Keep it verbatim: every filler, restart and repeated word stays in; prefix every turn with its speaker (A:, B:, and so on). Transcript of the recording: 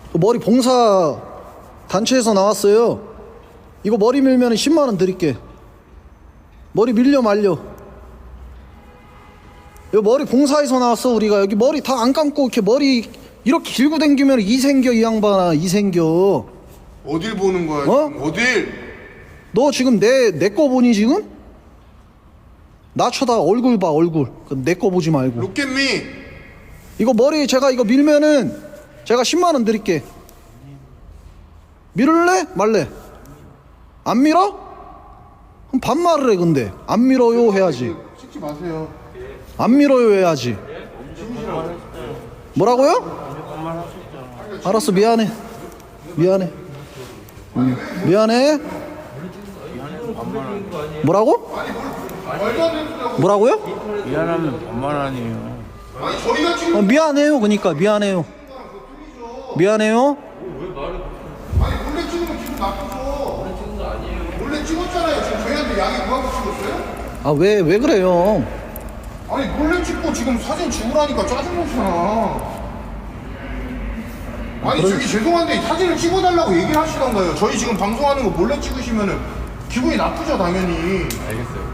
A: 머리 봉사 단체에서 나왔어요. 이거 머리 밀면 십만 원 드릴게. 머리 밀려 말려. 여기 머리 봉사에서 나왔어. 우리가 여기 머리 다 안 감고 이렇게 머리 이렇게 길고 댕기면 이 생겨. 이 양반아 이 생겨.
B: 어딜 보는 거야?
A: 어?
B: 지금? 어딜?
A: 너 지금 내 내 거 보니 지금? 나 쳐다 얼굴 봐 얼굴. 내 거 보지 말고.
B: Look at me.
A: 이거 머리 제가 이거 밀면은 제가 십만 원 드릴게. 밀을래? 말래? 안 밀어? 그럼 반말을 해. 근데 안 밀어요 해야지.
B: 찍지 마세요.
A: 안 밀어요 해야지. 뭐라고요? 알았어 미안해. 미안해. 응. 미안해. 뭐라고?
B: 말도 안 되는 소리 하고.
A: 뭐라고요?
C: 미안하면 반말 아니에요.
B: 아니 저희가 지금
A: 어, 미안해요. 그러니까 미안해요. 미안해요.
B: 아니 몰래 찍으면 기분 나쁘죠. 몰래 찍은 거 아니에요. 몰래 찍었잖아요. 지금 저희한테 양해 구하고 찍었어요?
A: 아 왜 왜 그래요?
B: 아니 몰래 찍고 지금 사진 지우라니까 짜증나잖아. 아니 저기 죄송한데 사진을 찍어달라고 얘기를 하시던가요. 저희 지금 방송하는 거 몰래 찍으시면은 기분이 나쁘죠 당연히.
C: 알겠어요.